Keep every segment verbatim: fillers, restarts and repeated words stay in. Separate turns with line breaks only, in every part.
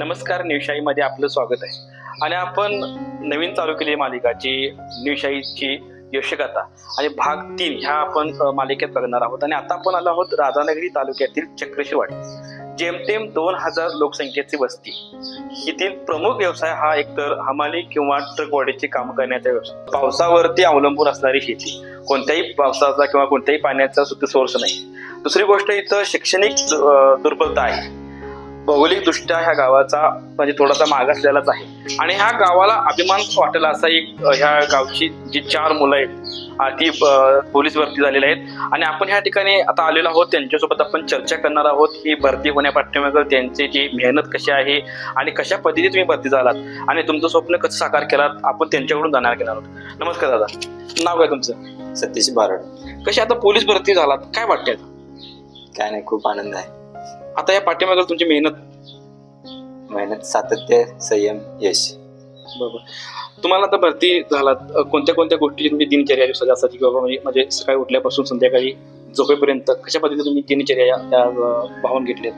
नमस्कार, न्यूशाईमध्ये आपलं स्वागत आहे. आणि आपण नवीन चालू केलेली मालिका जी न्यूशाईची यशगाथा आणि भाग तीन ह्या आपण मालिकेत बघणार आहोत. आणि आता आपण आलो आहोत राधानगरी तालुक्यातील चक्रशिवाडी. जेमतेम दोन हजार लोकसंख्येची वस्ती. येथील प्रमुख व्यवसाय हा एकतर हमाली किंवा ट्रकवाडीची काम करण्याचा व्यवसाय. पावसावरती अवलंबून असणारी शेती. कोणत्याही पावसाचा किंवा कोणत्याही पाण्याचा सुद्धा सोर्स नाही. दुसरी गोष्ट, इथं शैक्षणिक दुर्बलता आहे. भौगोलिक दृष्ट्या ह्या गावाचा म्हणजे थोडासा मागासलेलाच आहे. आणि ह्या गावाला अभिमान वाटेल असा एक ह्या गावची जी चार मुलं आहेत ती पोलीस भरती झालेली आहेत. आणि आपण ह्या ठिकाणी आता आलेलो आहोत, त्यांच्यासोबत आपण चर्चा करणार आहोत. ही भरती होण्यापाठीमागे त्यांची जी मेहनत कशी आहे आणि कशा पद्धतीने तुम्ही भरती झालात आणि तुमचं स्वप्न कसं साकार केलात, आपण त्यांच्याकडून जाणार घेणार आहोत. नमस्कार दादा, नाव काय तुमचं?
सतीश बारड.
कशी आता पोलीस भरती झालात, काय वाटतंय?
काय नाही, खूप आनंद आहे.
आता या पाठीमागे तुमची मेहनत
मेहनत, सातत्य, संयम, यश.
बरोबर. तुम्हाला आता भरती झालात, कोणत्या कोणत्या गोष्टीची तुमची दिनचर्या दिवसाची असायची किंवा म्हणजे म्हणजे सकाळी उठल्यापासून संध्याकाळी झोपेपर्यंत कशा पद्धतीने तुम्ही दिनचर्या त्या भावून घेतल्यात?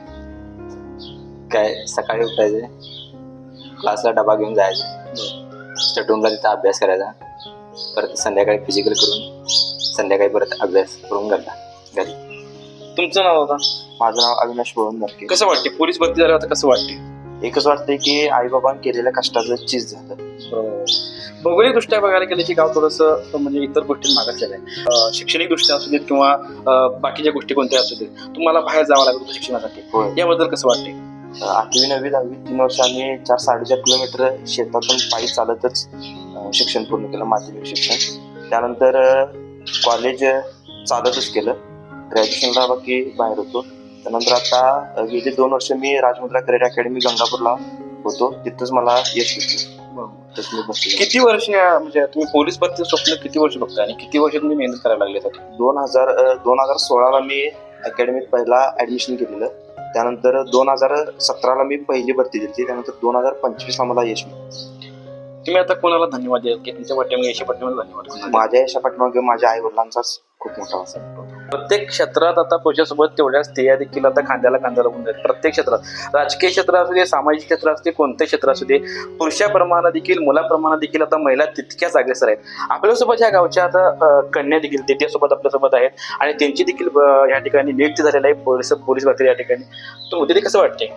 काय, सकाळी उठायचे, क्लासला डबा घेऊन जायचे, स्टडरूमला तिथं अभ्यास करायचा, परत संध्याकाळी फिजिकल करून संध्याकाळी परत अभ्यास करून घरला घरी.
तुमचं नाव होता?
माझं नाव अविनाश बोळून नक्की.
कसं वाटते पोलीस भरती झाल्यावर? कसं वाटते?
एकच वाटतंय की आई बाबांनी केलेल्या कष्टाचं चीज झालं.
भौगोलिक दृष्ट्या बघायला गेलं की गाव थोडंसं म्हणजे इतर गोष्टी मागासलेलं आहे. शैक्षणिक दृष्ट्या असू देत किंवा बाकीच्या गोष्टी कोणत्या असू देत, तुम्हाला बाहेर जावं लागत होतं शिक्षणासाठी. याबद्दल कसं वाटते?
आठवी नववी दहावी तीन वर्ष आम्ही चार साडेचार किलोमीटर शेतातून पायी चालतच शिक्षण पूर्ण केलं, माध्यमिक शिक्षण. त्यानंतर कॉलेज चालतच केलं. ग्रॅज्युएशनला बाकी बाहेर होतो. त्यानंतर आता गेली दोन वर्ष मी राजमुद्रा करिअर अकॅडमी गंगापूरला होतो, तिथंच मला यश भेटलं.
किती वर्ष म्हणजे तुम्ही पोलीस भरतीचं स्वप्न किती वर्ष बघताय आणि किती वर्ष तुम्ही मेहनत करायला लागले?
दोन हजार दोन हजार सोळाला मी अकॅडमीत पहिला ऍडमिशन केलेलं. त्यानंतर दोन हजार सतराला मी पहिली भरती दिली. त्यानंतर दोन हजार पंचवीसला मला यश मिळालं.
तुम्ही आता कोणाला धन्यवाद द्याल की तुमच्या पाठीमागे यशा पाठीमागे धन्यवाद?
माझ्या यशा पाठीमागे माझ्या आई वडिलांचाच खूप मोठा असेल.
प्रत्येक क्षेत्रात आता पुरुषासोबत तेवढ्या स्त्रिया देखील आता खांद्याला खांदा लावून जातात. प्रत्येक क्षेत्रात, राजकीय क्षेत्र असू दे, सामाजिक क्षेत्र असू दे, कोणते क्षेत्र असू दे, पुरुषाप्रमाणे देखील मुलाप्रमाणे देखील आता महिला तितक्याच अग्रेसर आहेत. आपल्यासोबत ह्या गावच्या आता कन्या देखील त्याच्यासोबत आपल्यासोबत आहेत आणि त्यांची देखील या ठिकाणी नियुक्ती झालेली आहे पोलीस पोलीस भरती या ठिकाणी. तर उद्या कसं वाटते?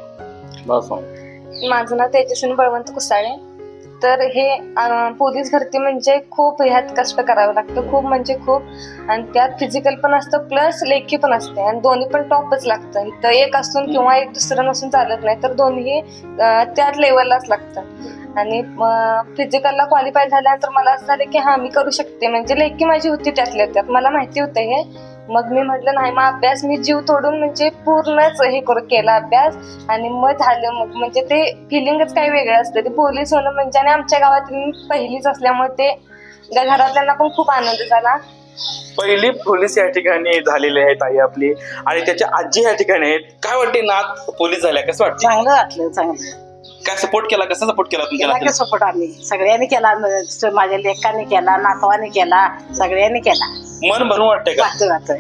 माझं नाव तेजस्विनी बळवंत कुसाळे. तर हे पोलीस भरती म्हणजे खूप ह्यात कष्ट करावं लागतं, खूप म्हणजे खूप. आणि त्यात फिजिकल पण असतं प्लस लेखी पण असते आणि दोन्ही पण टॉपच लागतं. इथं एक असून किंवा एक दुसरं नसून चालत नाही, तर दोन्ही त्याच लेवललाच लागतं. आणि फिजिकलला क्वालिफाय झाल्यानंतर मला असं झालं की हा मी करू शकते, म्हणजे लेखी माझी होती त्यातल्या त्यात, मला माहिती होतं हे. मग मी म्हटलं नाही, मग अभ्यास मी जीव तोडून म्हणजे पूर्णच हे करू केला अभ्यास. आणि मग झालं, मग म्हणजे ते फिलिंगच काही वेगळं असतं ते पोलीस होणं म्हणजे. आणि आमच्या गावात मी पहिलीच असल्यामुळे ते घरातल्यांना पण खूप आनंद झाला.
पहिली पोलीस या ठिकाणी झालेली आहेत आई आपली आणि त्याच्या आजी या ठिकाणी आहेत. काय वाटते नात पोलीस झाल्या, कसं वाटतं?
चांगलं वाटलं, चांगलं.
काय सपोर्ट केला, कसा सपोर्ट केला तुमच्या?
सपोर्ट आम्ही सगळ्यांनी केला, माझ्या लेकाने केला, नातवाने केला, सगळ्यांनी केला.
मन भरून वाटतंय का?
वाटतं वाटतंय.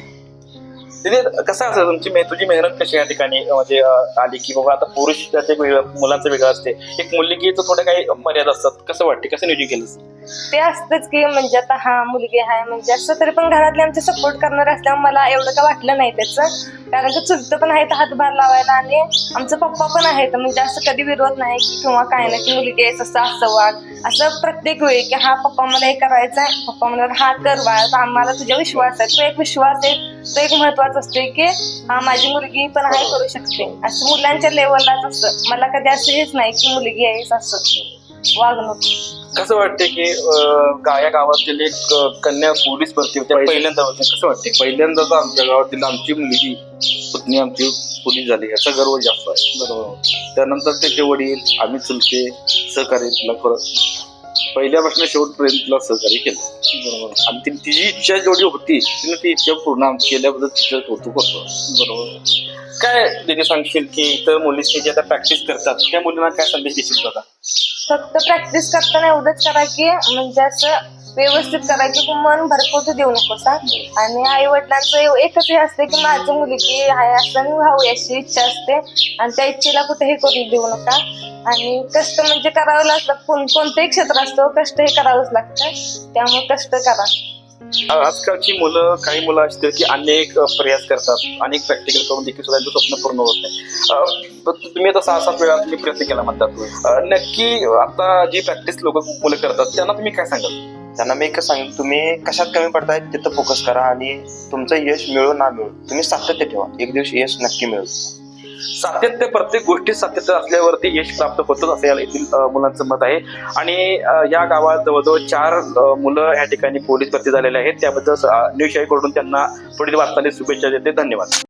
तिथे कसं असं तुमची तुझी मेहनत कशी या ठिकाणी म्हणजे आली की बाबा आता पुरुषाचं एक वेगळं, मुलांचं वेगळं असते, एक मुलगीचं थोडं काही मर्यादा असतात, कसं वाटते, कसं नियोजन केलं?
ते असतंच की म्हणजे आता हा मुलगी आहे म्हणजे असं, तरी पण घरातले आमचे सपोर्ट करणार असल्यामुळे मला एवढं काय वाटलं नाही त्याचं. कारण की चुलतं पण आहेत हातभार लावायला आणि आमचं पप्पा पण आहेत, म्हणजे असं कधी विरोध नाही की किंवा काय नाही की मुलगी आहे असं असं वाग, असं प्रत्येक वेळी की हा पप्पा मला हे करायचं आहे, पप्पा मला हा कर वाळ, आम्हाला तुझा विश्वास आहे. तो एक विश्वास आहे, तो एक महत्वाचा असतो की हा माझी मुलगी पण आहे करू शकते, असं मुलांच्या लेवललाच असतं. मला कधी असं हेच नाही की मुलगी आहे असं वागणूक.
कसं वाटते की या गावातील एक कन्या पोलीस भरती होत्या पहिल्यांदा होते, कसं वाटते?
पहिल्यांदाच आमच्या गावातील आमची मुलगी पत्नी आमची पोलीस झाली, याचा गर्व जास्त आहे.
बरोबर.
त्यानंतर त्याचे वडील, आम्ही चुलते सहकार्य तिला परत पहिल्यापासून शेवटपर्यंत तिला सहकार्य केलं.
बरोबर.
आणि ती तिची इच्छा जेवढी होती तिने ती इच्छा पूर्ण केल्याबद्दल तिचं कौतुक करतो.
बरोबर. काय दिदी सांगशील की इतर मुलींची जे आता प्रॅक्टिस करतात त्या मुलींना काय संदेश देशील? बघा,
फक्त प्रॅक्टिस करताना एवढंच करा की म्हणजे असं व्यवस्थित करा की मन भरपूर देऊ नकोस हा. आणि आई वडिलांचं एकच हे असते की माझी मुलगी आहे असं व्हावी अशी इच्छा असते आणि त्या इच्छेला कुठेही करू देऊ नका. आणि कष्ट म्हणजे करावं लागतं, कोण कोणतंही क्षेत्र असतो कष्ट हे करावंच लागतं, त्यामुळे कष्ट करा.
आजकालची मुलं, काही मुलं असतील की अनेक अ, प्रयास करतात, अनेक प्रॅक्टिकल करून देखील सुद्धा त्यांचं स्वप्न पूर्ण होत नाही. अ, पण तुम्ही आता सहा सात वेळा तुम्ही प्रयत्न केला म्हणतात, अ, नक्की आता जी प्रॅक्टिस लोक मुलं करतात त्यांना तुम्ही काय सांगाल?
त्यांना मी एकच सांगेन, तुम्ही कशात कमी पडताय तिथं फोकस करा आणि तुमचं यश मिळो ना मिळो तुम्ही सातत्य ठेवा, एक दिवस यश नक्की मिळेल.
सातत्य, प्रत्येक गोष्टीत सातत्य असल्यावरती यश प्राप्त होतच असं या येथील अ, मुलांचं मत आहे. आणि अ, या गावात जवळजवळ चार अ, मुलं या ठिकाणी पोलीस भरती झालेले आहेत. त्याबद्दल न्यूज कडून त्यांना पुढील वाटचालीस शुभेच्छा देते. धन्यवाद.